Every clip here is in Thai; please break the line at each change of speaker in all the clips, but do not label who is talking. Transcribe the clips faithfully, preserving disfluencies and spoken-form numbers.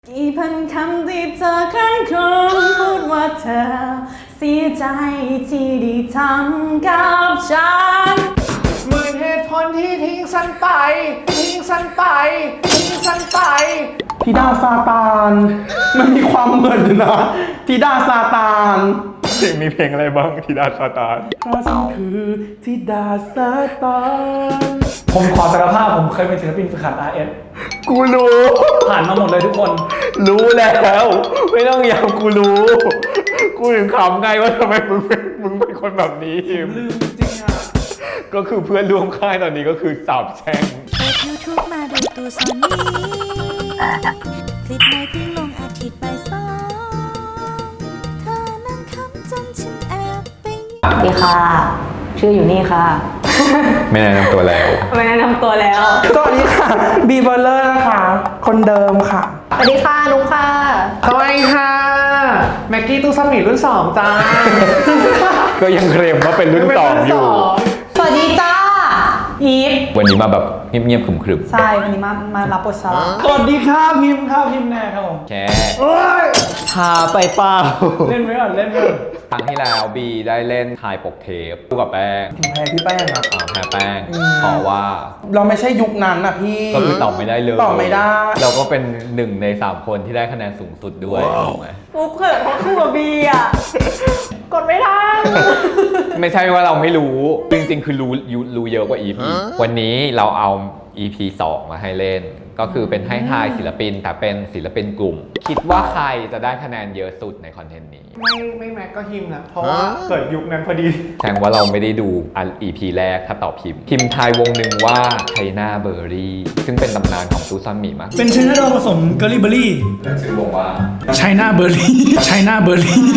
กี่พันคำที่เธอครั้งครวญพูดว่าเธอเสียใจที่ได้ทำกับฉัน
หมื่นเหตุผลที่ทิ้งฉันไปทิ้งฉันไปทิ้งฉันไป
ธิดาซาตานมันมีความเหมือนนะธิดาซาตาน
เพลงมีเพลงอะไรบ้างธิดาซาตาน
เพราะฉันคือธิดาซาตาน
ผมขอสารภาพผมเคยเป็นศิลปินฝึกหัด อาร์ เอส
กูรู้
ผ่านมาหมดเลยทุกคน
รู้แล้วไม่ต้องย้ำกูรู้กูถึงขำไงว่าทำไมมึงเป็นมึงเป็นคนแบบนี้
ลืมจริงอ่ะ
ก็คือเพื่อนร่วมค่ายตอนนี้ก็คือสาบแช่ง
เปิด YouTube มาดูตูซอนนี้คลิปในเพิ่งลงอาทิตย์ไปสองเธอนั่งคำจนฉันแอบไป
สวัสดีค่ะชื่ออยู่นี่ค่ะ
ไม่แนะนำตัวแล้ว
ไม่แนะนำตัวแล้ว
สวัสดีค่ะบีเบอร์เลอร์นะคะคนเดิมค่ะ
สวัสดีค่ะนุ๊กค่ะ
สวัสดีค่ะแม็กกี้ตู้ซัมมิรุ่นสองจ้า
ก็ยังเคลมว่าเป็นรุ่นสองอยู่
สวัสดีจ้าอีฟ
วันนี้มาแบบเงียบๆขรึม
ๆใช่วันนี้มามารับบทชา
สวัสดีค่ะพิมพ์ค่ะพิมพ์แน่ครับผม
แค่ชาไปเปล่า
เล่นไว้ก่อนเล่นไว้ก่อน
ครั้งที่แล้วบีได้เล่นทายปกเทปคู่กับแป้ง
แพ้พี่แป้งอะ
อ่าแพ้แป้งเพราะว่า
เราไม่ใช่ยุคนั้นอะพี่
ก็คือตอบไม่ได้เลย
ตอบไม่ได้
เราก็เป็นหนึ่งในสามคนที่ได้คะแนนสูงสุดด้วยถูกไหม
ปุ๊บเขินเพราะคู่กับบีอะกดไม่ทัน
ไม่ใช่ว่าเราไม่รู้จริงๆคือรู้รู้เยอะกว่า อี พี วันนี้เราเอา อี พี สองมาให้เล่นก็คือเป็นให้ทายศิลปินแต่เป็นศิลปินกลุ่มคิดว่าใครจะได้คะแนนเยอะสุดในคอนเทนต์นี้
ไม่ไม่แม็กก็ฮิมนะเพราะว่าเกิดยุคนั้นพอดี
แสดงว่าเราไม่ได้ดูอัน อี พี แรกถ้าตอบพิมพ์พิมพ์ทายวงหนึ่งว่าไชน่าเบอร์รี่ซึ่งเป็นตำนานของตูซัมมี่มาก
เป็นชื่อเราผสมเกอร์ลี่เบอร์รี่
แล้วชื่อวงว่า
ไชน่าเบอร์รี่ไชน่าเบอร์รี่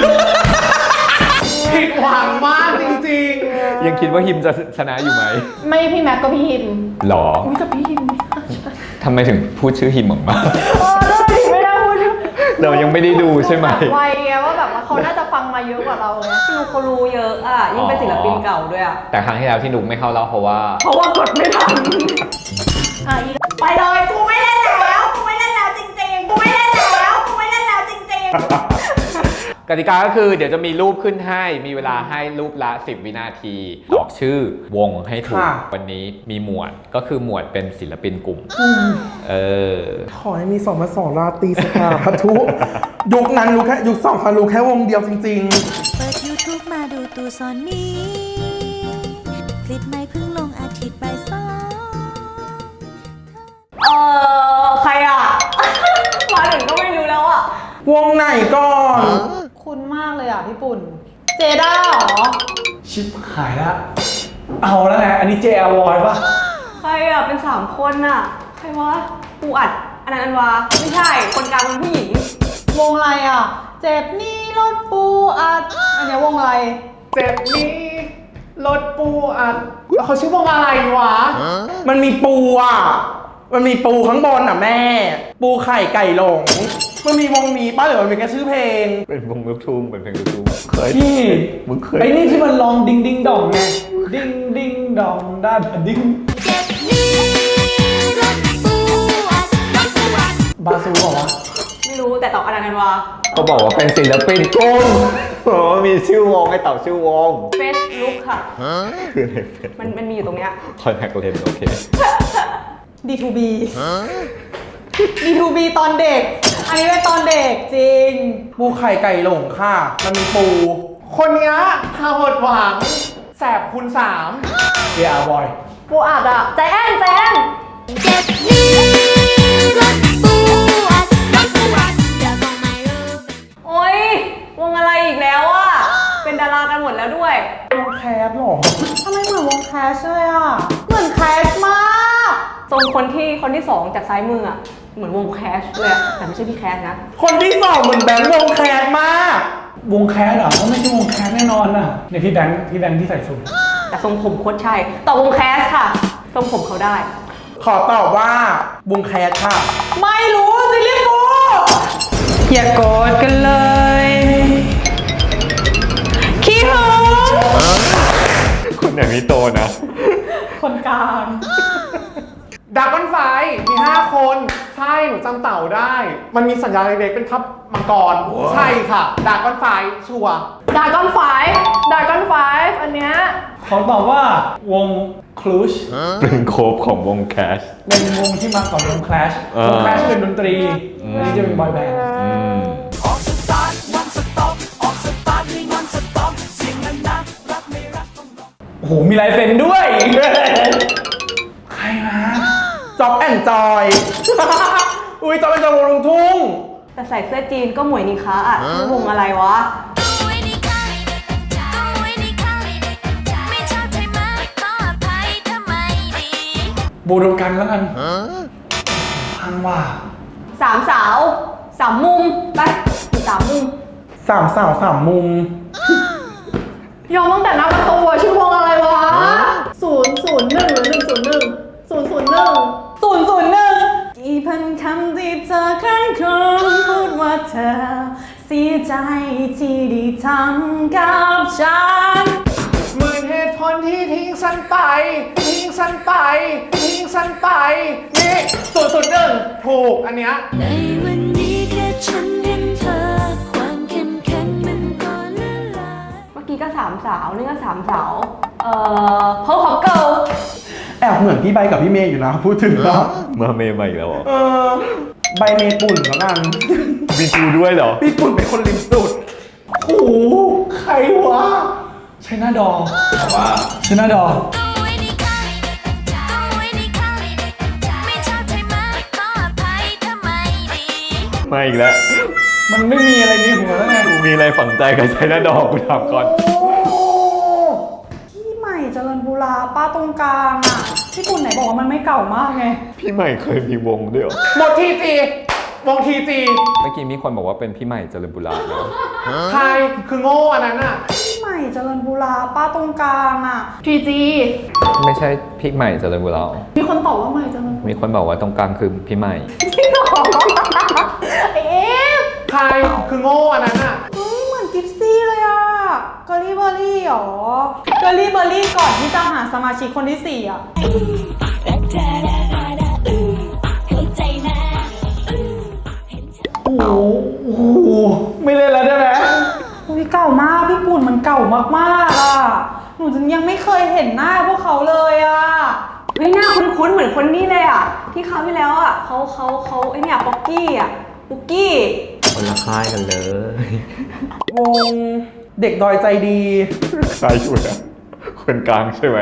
ผิดหวังมากจริง
ๆยังคิดว่าฮิมจะชนะอยู่ไหม
ไม่พี่แม็กก็พี่ฮิม
หรอ
อุ้ยกับพี่ฮิม
ทำไมถึงพูดชื่อฮิมออกมา
เออได้ไม่ได้พูด
เรายังไม่ได้ดูใช่ไหม
ไวไงว่าแบบว่าเขาน่าจะฟังมาเยอะกว่าเราไงพี่นุ๊กเขารู้เยอะอ่ะยิ่งเป็นศิลปินเก่าด้วยอ่ะ
แต่ครั้งที่แล้วที่นุ๊กไม่เข้ารอบเพราะว่า
เพราะว่ากดไม่ทันไปเลยกูไม่เล่นแล้วกูไม่เล่นแล้วจริงๆกูไม่เล่นแล้วกูไม่เล่นแล้วจริงๆ
กติกาก็คือเดี๋ยวจะมีรูปขึ้นให้มีเวลาให้รูปละสิบวินาทีตอบชื่อวงให้ถูกวันนี้มีหมวดก็คือหมวดเป็นศิลปินกลุ่มเออ
ขอให้มีสองมาสองราตรีสภาพัทุยุคนั้นรู้แค่ยุคสองพันรู้แค่วงเดียวจริง
ๆเปิด YouTube มาดูตูซอนนี้คลิปไม่เพิ่งลงอาทิตย์ไปสอง
เออใครอ่ะมาถึงก็ไม่รู้แล้วอ่ะ
วงไหนก่อน
คุ้นมากเลยอ่ะพี่ปุ่นเจด้าหรอ
ชิบหายละเอาแล้วไงอันนี้เจอวอยป่ะ
ใครอ่ะเป็นสามคนอ่ะใครวะปูอัดอันนั้นอันวาไม่ใช่คนกลางเป็นผู้หญิงวงอะไรอ่ะเจ็บนี่รถปูอัดอันนี้วงอะไร
เจ็บนี่รถปูอัดแล้วเขาชื่อวงอะไรวะ
มันมีปูอ่ะมันมีปูข้างบนอ่ะแม่ปูไข่ไก่หลงมันมีวงนี้ป้าหรือมันเป็นแค่ชื่อเพลง
เป็นวงลูกทุ่งเป็นเพลงลูกทุ่งเคย
พี่
มึงเคย
ไอ้นี่ที่มันร้องดิงดิงดองไงดิงดิงดองด้านดิง
เจ็บนี้รถปูอัดรถปูอัด
บาซูเหรอวะ
ไม่รู้แต่ตอบอันนั้นวะ
ก็บอกว่าเป็นศิลปินกุ้งโอ้มีชื่อวงให้ตอบชื่อวง
เฟซบุ๊กค่ะ
คืออะไรเฟซ
มันมันมีอยู่ตรงเนี้ย
คอนแทคเลนส์โอเค
ดี ทู บี ดี ทู บี ตอนเด็กอันนี้เป็นตอนเด็กจริง
ปูไข่ไก่หลงค่ะมันมีปู
คนเนี้ยทาหดหวังแสบคูณสามเดียบอย
ปูอัดอะใจแอนใจแอน
เจ็บนี้รถปูอัดรถปูอัดอย่าบอกไม่รู้
โอ๊ยวงอะไรอีกแล้วอะเป็นดารากันหมดแล้วด้วย
วงแคสหรอ
ทำไมเหมือนวงแคสเลยอะเหมือนแคสมากทรงคนที่คนที่สองจากซ้ายมืออะเหมือนวงแคสเลยอะแต่ไม่ใช่พี่แคสนะ
คนที่สองเหมือนแบงค์วงแคสมาก
วงแคสเหรอเขาไม่ใช่วงแคสแน่นอนน่ะเนี่ยพี่แบงค์พี่แบงค์ที่ใส่สูท
แต่ทรงผมโคตรใช่ตอบวงแคสค่ะทรงผมเขาได้
ขอตอบว่าวงแคสค่ะ
ไม่รู้ซิลิฟูอย่าโกรธกันเลยขี้หึง
คนอย่างนี้โตนะ
คนกลาง
ดราก้อนไฟมีห้าคนชช่หนูจำเต่าได้ มันมีสัญญาณเล็กๆเป็นทับมังกร ใช่ค่ะดากอนไฟชัวร์
ดากอนไฟดากอนไฟอันเนี้ย
ขอตอบว่าวงคลูช
เป็นโคฟของวงแคช
เป็นวงที่มาก่อนวง Clash
เออ
วง Clash เป็นดนตรีอันนี้จะเป็นบอยแบนด์
อืม
โอ้โห มีลายเซ็นด้วย ใครนะ
จ็อบแอนจอย อุ้ยจ็อบแอนจอยวงลุงทุ่ง
แต่ใส่เสื้อจีนก็หมวยนิคะอ่ะชื่อวงอะไรวะ
บูโดกันแล้วกันพังว่า
สามสาวสามมุมไปสามมุม
สามสาวสามมุม
ยอมตั้งแต่หน้าประตูอะชื่อวงอะไรวะศูนย์ศูนย์หนึ่งหรือหนึ่งศูนย์หนึ่งศูนย์ศูนย์หนึ่งศูนย์ศูนย์หนึ่งกี่พันคำที่เธอครั้งครองพูดว่าเธอเสียใจที่ได้ทำกับฉัน
หมื่นเหตุผลที่ทิ้งฉันไป ทิ้งฉันไป ทิ้งฉันไป นี่สุดสุดหนึ่งถูกอันเนี้ย
ในวันนี้แค่ฉันเห็นเธอ ความเข้มแข็งมันก็ละลาย
เมื่อกี้ก็สามสาวนี่ก็สามสาวเอ่อเพิร์ลฮอปเกิล
แอบเหมือนพี่ใบกับพี่เมย์อยู่นะ พูดถึงแล้ว
เมื่อเมย์มาอีกแล้วเหรอ
เออ ใบเมย์ปุ่นแล้วกัน
มีกูด้วยเหรอ
พี่ปุ่นเป็นคนริมสุด
โอ้โห ใครวะใช่หน้าดอแต่ว่าใช่หน้าดอ
มาอีกแล้ว
มันไม่มีอะไรในหัวแล้วไง
กูมีอะไรฝังใจกับไชน่าดอกกูถามก่อน
พี่ใหม่เจริญบุราป้าตรงกลางอ่ะพี่ปุ่นไหนบอกว่ามันไม่เก่ามากไง
พี่ใหม่เคยมีวงด้วยเหรอ
หมดทีจีวงทีจี
เมื่อกี้มีคนบอกว่าเป็นพี่ใหม่เจริญบุรานะ
ใครคือโง่อันนั้นอ่ะ
พี่ใหม่เจริญบุราป้าตรงกลางอ่ะทีจี
ไม่ใช่พี่ใหม่เจริญบุรา
มีคนตอบว่าใหม่เจริญ
มีคนบอกว่าตรงกลางคือพี่ใหม่
จริงเหรอเอ๊ะ
ใครคือโง่อันนั้นอ่ะ
เฮ้ยเหมือนกิฟซี่เลยอ่ะเกอรี่เบอร์รี่หรอเกอรี่เบอร์รี่ก่อนที่จะหาสมาชิกคนที่สี่อ่ะ
โอ้โหโอ้โห ไม่เล่นแล้วได้ไหม
อุ้ยเก่ามากพี่ปุ่นมันเก่ามากๆอ่ะหนูยังไม่เคยเห็นหน้าพวกเขาเลยอ่ะเฮ้ยหน้าคุ้นๆเหมือนคนนี้เลยอ่ะที่คราวที่แล้วอ่ะเขาเขาเขาไอเนี่ยป๊อกกี้อ่ะปุ๊กกี้
คนละค่ายกันเลย
วงเด็กดอยใจดี
ค่ายอยู่นะคนกลางใช่ไหม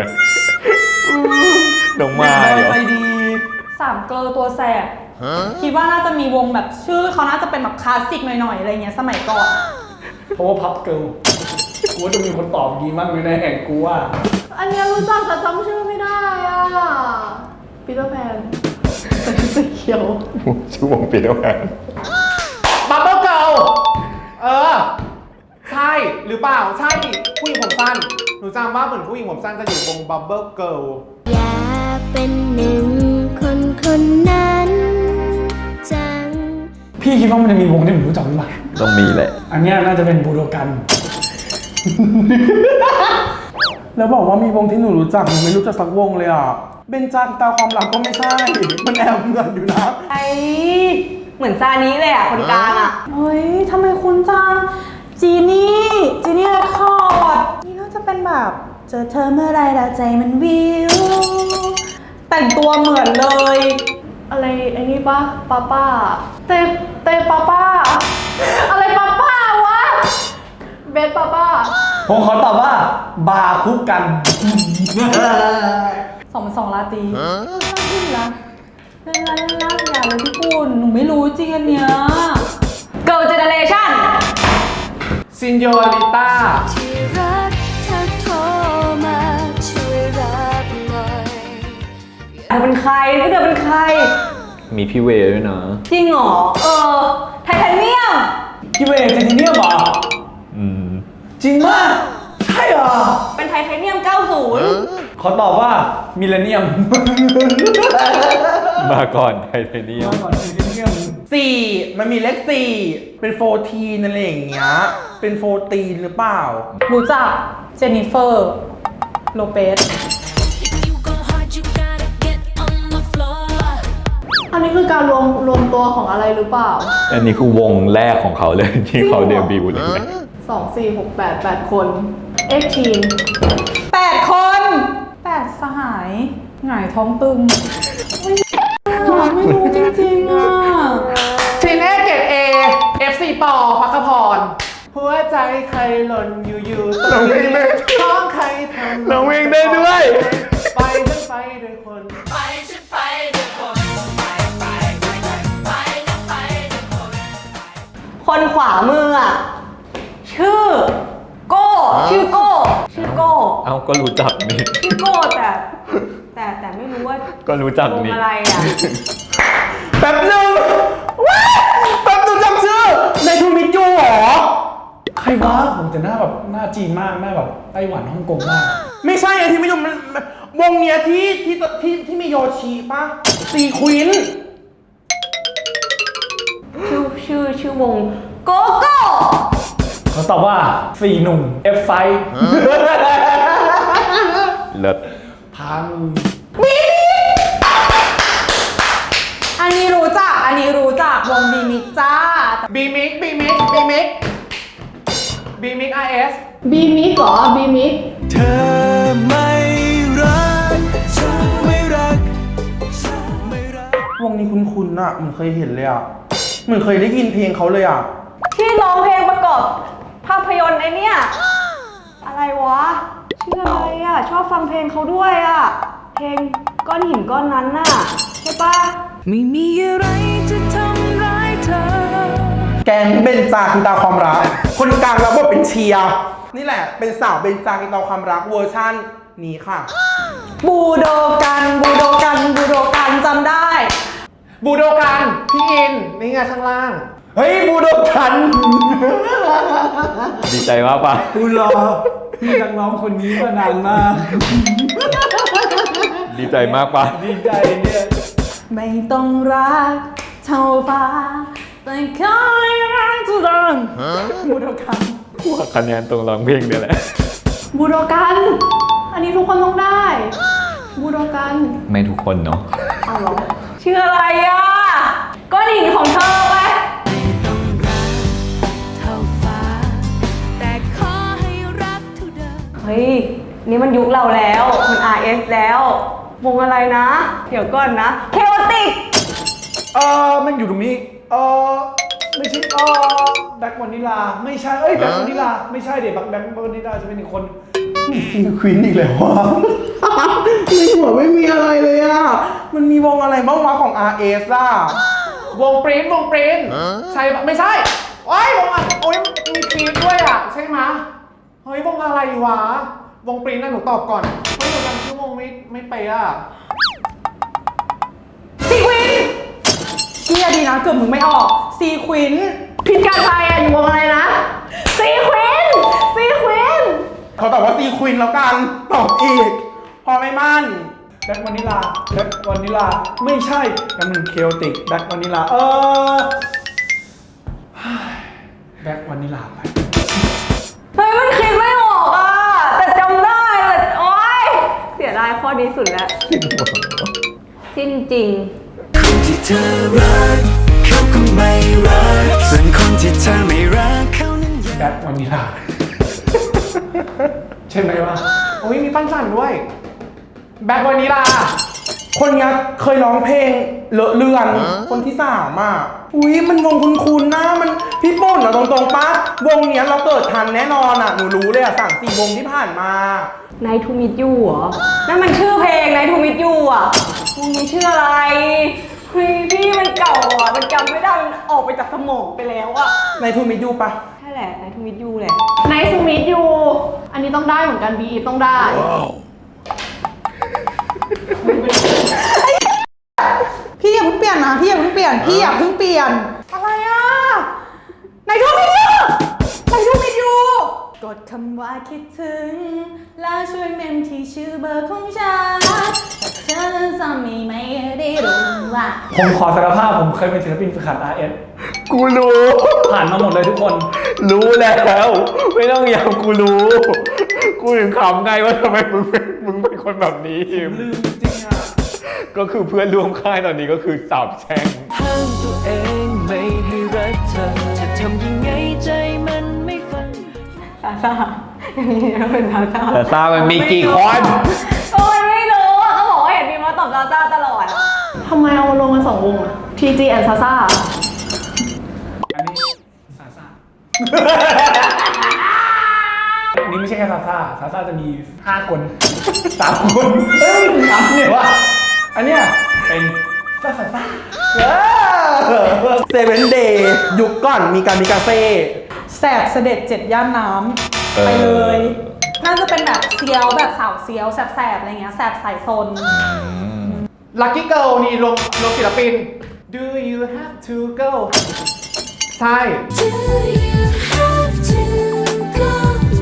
น้อง
เด็
มาก
ดอย
เหรอ
ใจดี
สามเกลอตัวแสบคิดว่าน่าจะมีวงแบบชื่อเขาน่าจะเป็นแบบคลาสสิกหน่อยๆอะไรเงี้ยสมัยก่อน
เพราะว่าพับเกิลกูว่าจะมีคนตอบดีมากแน่ๆกูว่า
อันเนี้ยรู้จักแต่จำชื่อไม่ได้อ่ะปีเตอร์แพนสีเขียว
ชื่อวงปีเตอร์แพน
บับเบิ้ลเกิลเออ ใช่หรือเปล่า ใช่ผู้หญิงผมสั้น หนูจำว่าเหมือนผู้หญิงผมสั้นจะอยู่วงบับเบิ้ลเกิล
อยากเป็นหนึ่งคนคนนั้นจัง
พี่คิดว่ามันจะมีวงที่ผมรู้จักหรือเปล่า
ต้องมีแหละ
อันเนี้ยน่าจะเป็นบูโดกัน
แล้วบอกว่ามีวงที่หนูรู้จักหนูไม่รู้จักสักวงเลยอ่ะเบนจากตาความรักก็ไม่ใช่ มันแอบเหมือนอยู่นะ
ไอเหมือนซานี้เลยอ่ะคนกลางอ่ะเฮ้ยทำไมคุณจังจีนี่จีนี่เรคคอร์ดนี่น่าจะเป็นแบบเจอเธอเมื่อไรแล้วใจมันวิวแต่งตัวเหมือนเลย อะไรไอ้นี่ปะป้าป้าเตเตป้าป้าอะไรป้าป้าวะเบสป้าป้า
ผมขอตอบว่า บาร์คุกกัน
สองสองลาตรีลาตรีละเล่นละเล่นละอย่าเลยพี่ปุ่นหนูไม่รู้จริงอันเนี้ย Girl Generation
ซินโยริต้า
ที่รักเธอโทรมาช่วยรับหน่อย
เธอเป็นใครเธอเป็นใคร
มีพี่เวด้วยนะ
จริงเหรอ เออ ไทเทเนียม
พี่เวย์เจนเนียมเหรอ
อืม
จริงมาก ใช่เหรอ
เป็นไทเทเนียม เก้าสิบ
ขอตอบว่ามิเลเนียม
มาก่อนไทเทเนียม
มาก่อนมิเลเนียม
สี่มันมีเลขสี่เป็นโฟทีนอะไรอย่างเงี้ยเป็นโฟตีนหรือเปล่า
รู้จักเจนนิเฟอร์ โลเปส
You go hard, you gotta get on the floor.
อันนี้คือการรวมรวมตัวของอะไรหรือเปล่า
อันนี้คือวงแรกของเขาเลยที่เขาเดบิวต์เลย
สองสี่หกแปดแปดคนเอ็กทีนแปดคนแปดสหายหงายท้องตึงไม่ไม่รู้จริงๆอ่ะ
ทีเน่เกรด A เอฟ ซี ปอพักขพรหัวใจใครหล่นอยู่อยู่ตรงนี้ท้องใครทำ
ร้องเพลงได้ด้วย
ไปฉันไปด้วยคน
คนขวามืออ่ะ ชื่อ โก้ ชื่อโก้ ชื่อโก้
เอาก็รู้จักนี่
ชื่อโก้แต่ แต่แต่ไม่รู้ว่า
ก็รู้จัก
วง
นี่
อะไรอ่ะ
แป๊บหนึงว้ายแป๊บหนึงจำชื่อในทูมิตยูเหรอ
ใครวะผมแต่หน้าแบบหน้าจีนมากหน้าแบบไต้หวันฮ่องกงมาก
ไม่ใช่ไอ้ที่ไม่ยอมมันวงเนี้ยที่ที่ที่ที่มีโยชิป่ะซีควิน
ชื่อชื่อชื่อวงโกโก้
เขาตอบว่าสี่หนุ่ม เอฟ ไฟ
เลิศ
พัง
อันนี้รู้จัก อันนี้รู้จักวงบีมิกจ้า
บีมิกบีมิกบีมิกบีมิก อาร์ เอส
บีมิกเหรอ บีมิก
เธอไม่รักฉันไม่รักฉันไม่รัก
วงนี้คุ้นๆน่ะเหมือนเคยเห็นเลยอ่ะเหมือนเคยได้ยินเพลงเขาเลยอ่ะ
ที่ร้องเพลงประกอบภาพยนตร์ไอเนี่ย อะไรวะ ชื่ออะไรอ่ะ ชอบฟังเพลงเขาด้วยอ่ะ เพลงก้อนหินก้อนนั้นน่ะ ใช่ปะ
ไม่มีอะไรจะทำร้ายเธอ
แกงเบนจากิตาความรัก คนกลางรับบทเป็นเชียร์นี่แหละเป็นสาวเบนจากิตาความรักเวอร์ชั่นนี้ค่ะ
บูโดกันบูโดกันบูโดกันจำได้
บูโดกันพี่อินนี่ไงข้างล่าง
เฮ้ยบูโดกัน
ดีใจมากปะ
กูรอพี่นักร้องคนนี้มานานมาก
ดีใจมากปะ
ดีใจเนี่ย
ไม่ต้องรักเท่าฟ้าแต่ขอให้รักทุกคนบูโดกัน
หัวคะแนนตรงร้องเพลงเนี่ยแหละ
บูโดกัน อันนี้ทุกคนต้องได้ บูโดกัน
ไม่ทุกคนเนาะ
เอาเหรอชื่ออะไรอ่ะก้อนหินของเธอไป
เท่าฟ้า แต่ขอให้รักเท่าเดิม
เฮ้ย นี่มันยุคเราแล้ว มัน อาร์ เอส แล้ว วงอะไรนะ เดี๋ยวก่อนนะ เคโอติก
เออมันอยู่ตรงนี้ เออไม่ใช่เออแบ็ควานิลาไม่ใช่เอ้ยแบ็ควานิลาไม่ใช่เดี๋ยวแบ็คแบ็ควานิลาจะเป็นอีกคน
ซีควินอีกแล้ววะ ในหัวไม่มีอะไรเลยอ่ะ มันมีวงอะไรบ้างวะของ อาร์ เอส อ่ะ
วงปริ้นวงปริ้นใช่ปะไม่ใช่โอ้ยวงอ่ะโอ้ยมีครีมด้วยอ่ะใช่ไหมะเฮ้ยวงอะไรวะวงปริ้นน่ะหนูตอบก่อนเฮ้ยหนูจำชื่อวงไม่ไม่ไปอ่ะ
ซีควินเชี่ยดีนะเกือบมึงไม่ออก ซีควินพิการไทยอ่ะอยู่วงอะไรนะ ซีควิน ซีควิน
เขาตอบว่าซีควินแล้วกัน ตอบอีก พอไม่มั่น
แบ็ควานิลาแบ็ควานิลาไม่ใช่กันหนึ่งเคโอติกแบ็ควานิลาเออแบ็ควานิลาไป
เฮ้ยมันคิดไม่ออกอ่ะ แต่จำได้แต่โอ๊ย เสียดายข้อนี้สุดแล้ว สิ้นจริง
คนที่เธอรักเขาก็ไม่รักส่วนคนที่เธอไม่รักเขานั้นยัง
แบ็ควานิลา ใช่ไหมวะ
โอ้ยมีปั้นจันด้วย แบ็ควานิลา
คนเนี้ยเคยร้องเพลงเลอะเลือน คนที่สามอ่ะ อุ้ยมันวงคุ้นๆนะมันพี่ปุ่นอะตรงๆปะวงเนี้ยเราเกิดทันแน่นอนอ่ะ หนูรู้เลยอ่ะสั่งสี่วงที่ผ่านมา
Night to meet you เหรอ นั่นมันชื่อเพลง Night to meet you อ่ะวงนี้ชื่ออะไรเฮ้ยพี่มันเก่าอ่ะ มันจำไม่ได้มันออกไปจากสมองไปแล้วอ่ะ
ในทูมิยูปะ
ใช่แหละ Night to meet you แหละ
Nice to meet you อันนี้ต้องได้เหมือนกัน บี ต้องได้
พี่อย่าเพิ่งเปลี่ยนนะ พี่อย่าเพิ่งเปลี่ยน พี่อย่าเพิ่งเปลี่ยน อะไรอ่ะ Night to meet you Night to meet you กดคำว่าคิดถึง แล้วช่วยเมมที่ชื่อเบอร์ของฉันถ้าเธอจะไม่ไม่ได้รู้ว่า
ผมขอสารภาพผมเคยเป็นศิลปินฝึกหัด อาร์ เอส
กูรู้
ผ่านมาหมดเลยทุกคน
รู้แล้ว ไม่ต้องย้ำกูรู้ กูถึงขำไงว่าทำไมมึงเป็นมึงเป็นคนแบบนี้
ลืมจริงอ่ะ
ก็คือเพื่อนร่วมค่ายตอนนี้ก็คือสาบแช่ง
ห้ามตัวเองไม่ให้รักเธอ จะทำยังไงใจมันไม่ฟัง
ซาซ่าอย่างนี้นะเป็นซาซ่า
แต่ซามันมีกี่คน
โอ้ยไม่รู้อะเขาบอกว่าเห็นมีมาตอบซาซ่าตลอดอะ
ทำไมเอาลงมาสองวงอะ ที จี and Sasa
อันนี้ซาซ่า อันนี้ไม่ใช่แค่ซาซ่าซาซ่าจะมีห้าคนสามคนเฮ้ยสามเนี่ยวะอันเนี้ยเป็นซาซาซ่า
เซเว่นเดย์ยุคก่อนมีการมีกาเฟ่
แสบเสด็จเจ็ดย่านน้
เออ
ำไปเลย น่าจะเป็นแบบเซียวแบบสาวเซียวแสบๆอะไรเงี้ยแสบสายซน
ลัคกี้เกิลนี่รวมรวมศิลปิน Do you have to go ใช่
Do you have to go?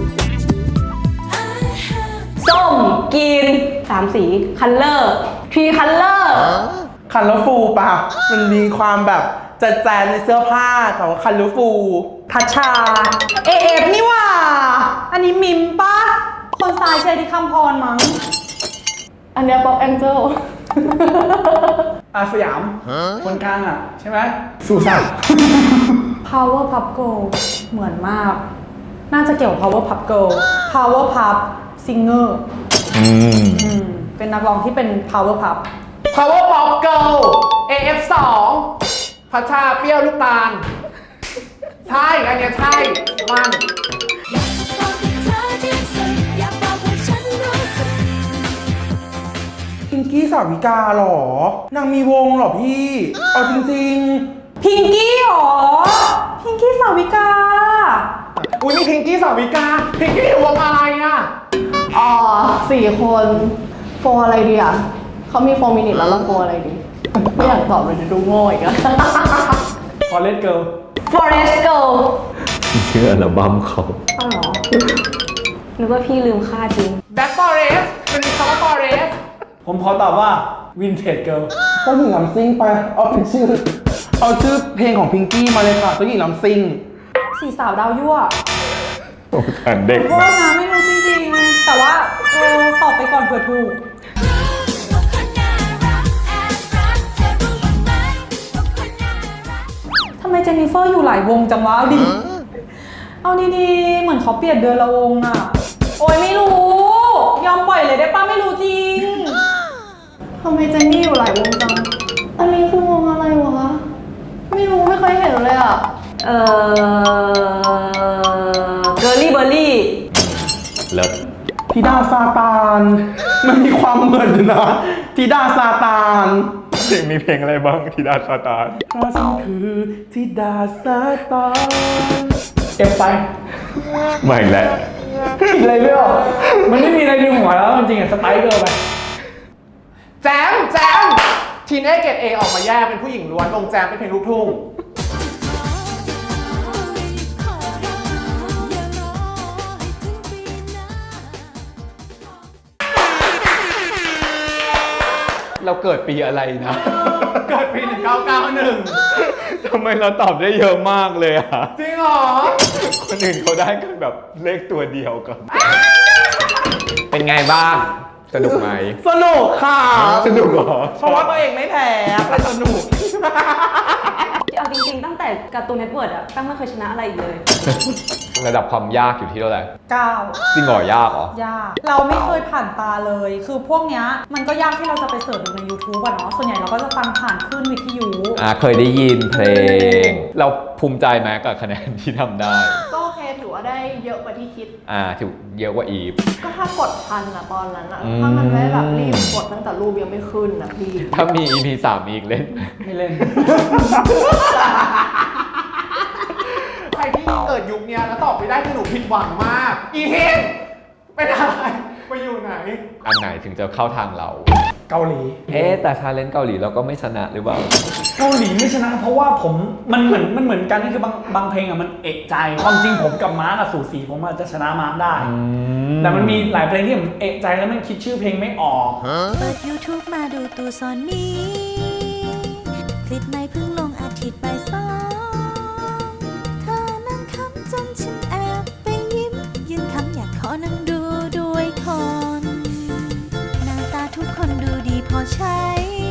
I have
ส้มกินสามสีคัลเลอร์ทรีคัลเลอร์
คันลฟูปะมันมีความแบบจัดแจงในเสื้อผ้าของคันลฟู
ทัชชา เอฟนี่หว่า อันนี้มิมปะคนซ้ายใช้ที่คำพรมั้ง
อันเนี้ย Pop Angel
อาสยาม คนกลางอ่ะ ใช่ไหมสุสาน
Power Pup Girl เหมือนมาก น่าจะเกี่ยวกับ Power Pup Girl Power Pup Singer
อืม
อืมเป็นนักร้องที่เป็น Power Pup
Power Pop Girl เอ เอฟ สองพัชชาเปรี้ยวลูกตาล ใช่ อันเนี้ยใช่ มัน
บอกให้เธอที่สุดอยากบอกให้ฉันรู้สึก
พิงกี้สาวิกาเหรอ นางมีวงเหรอพี่ เอาจริง
พิงกี้หรอ พิงกี้สาวิกา
อุ้ยมีพิงกี้สาวิกา พิงกี้อยู่วงอะไรอ่ะ
อ๋อสี่คนโฟร์อะไรดีอ่ะเขามีโฟร์มินิทแล้วเราโฟร์อะไรดี ไม่อยากตอบเลยเดี๋ยวดูโง่อีกอะ
ฟอเรสเกิล
Forest Girl
ชื่ออัลบั้มเขา
อ้าวเหรอนึกว่าพี่ลืมค่าจริง
Black Forest มันมีคำว่า Forest
ผมขอตอบว่าวินเทจเกิล
ๆเจ้าหญิงลำซิ่งไป เอาเป็นชื่อ เอาชื่อเพลงของพิงกี้มาเลยค่ะเจ้าหญิงลำซิ่ง
สี่สาวดาวยั่ว
โอ้แต่เด็ก
โทษนะไม่รู้จริงๆ แต่ว่าเออตอบไปก่อนเผื่อถูก
ว่าคนน่ารักแอบรักเธอรู้บ้างไหมว่าคนน่ารัก
ทำไมเจนนิเฟอร์อยู่หลายวงจังวะเอาดิ เอาดีๆ เหมือนเขาเปลี่ยนเดือนละวงอะโอ้ยไม่รู้ ยอมปล่อยเลยได้ป้าไม่รู้จริง
ทำไมเจนนี่อยู่หลายวงจัง อันนี้คือวงอะไรวะ ไม่รู้ไม่เคยเห็นเลยอ่ะ
เออเกอร์ลี่เบอร์รี่
เลิศ
ธิดาซาตาน มันมีความเหมือนอยู่นะธิดาซาตาน
เพลงมีเพลงอะไรบ้างที่ดาซาตาน
เพราะฉันคือธิดาซาตาน
เอฟไป
ไม่แหละ
คิดอะไรไม่ออกมันไม่มีอะไรในหัวแล้วจริงๆอะสไปเกอร์ไป
แจมแจมทีนเอเกตเอออกมาแยกเป็นผู้หญิงล้วนวงแจมเป็นเพลงลูกทุ่ง
เราเกิดปีอะไรนะ
เกิดปีหนึ่งเก้าเก้าหนึ่ง
ทำไมเราตอบได้เยอะมากเลยอ่ะ
จริงเหรอ
คนอื่นเขาได้กันแบบเลขตัวเดียวกัน เป็นไงบ้าง สนุกไหม
สนุกค่ะ
สนุกเหรอ
เพราะว่าตัวเองไม่แพ้แต่สนุก
เอาจริงๆ ตั้งแต่การ์ตูนเน็ตเวิร์ดอะแป้งไม่เคยชนะอะไรอีกเลย
ระดับความยากอยู่ที่เท่าไหร่
เก้า
จริงเหรอยากเหรอ
ยาก เราไม่เคยผ่านตาเลย คือพวกเนี้ยมันก็ยากที่เราจะไปเสิร์ชดูใน YouTube อะเนาะ ส่วนใหญ่เราก็จะฟังผ่านคลื่นวิทยุ
อ่าเคยได้ยินเพลง เราภูมิใจไหมกับคะแนนที่ทำได้
ก็โอเคถือว่าได้เยอะกว่าที่คิด
อ่าถือเยอะกว่าอีฟ
ก็ถ้ากดทันอะตอนนั้นอะ
อืม
ถ้ามันไม่แบบรีบกดตั้งแต่รูปยังไม่ขึ้นนะพี่
ถ้ามี อี พี สามอีกเล่น
ไม่เล่น
ใครที่เกิดยุคเนี้ยแล้วตอบไม่ได้คือหนูผิดหวังมาก อีเฮนเป็นอะไรไปอยู่ไหน
อันไหนถึงจะเข้าทางเรา
เกาหลี
เอ๊ะแต่ชาเลนจ์เกาหลีเราก็ไม่ชนะหรือเปล่า
เกาหลีไม่ชนะเพราะว่าผมมันเหมือนมันเหมือนกันก็คือบางบางเพลงอะมันเอกใจความจริงผมกับมาร์กอะสูสีผมอาจจะชนะมาร์กได้ แต่มันมีหลายเพลงที่ผมเอกใจแล้วมันคิดชื่อเพลงไม่ออก
เปิด YouTube มาดูตัวซอนนี้ คลิปใหม่เพิ่งลงอาทิตย์บ่ายสองเธอนั่งคำจนฉันแอบไปยิ้ม ยืนคำอยากขอนั่งดูด้วยคน หน้าตาทุกคนดูดีพอใช้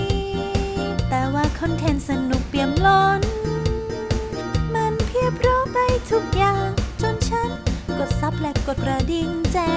ทุกอย่างจนฉันกดซับและกดกระดิ่งแจ้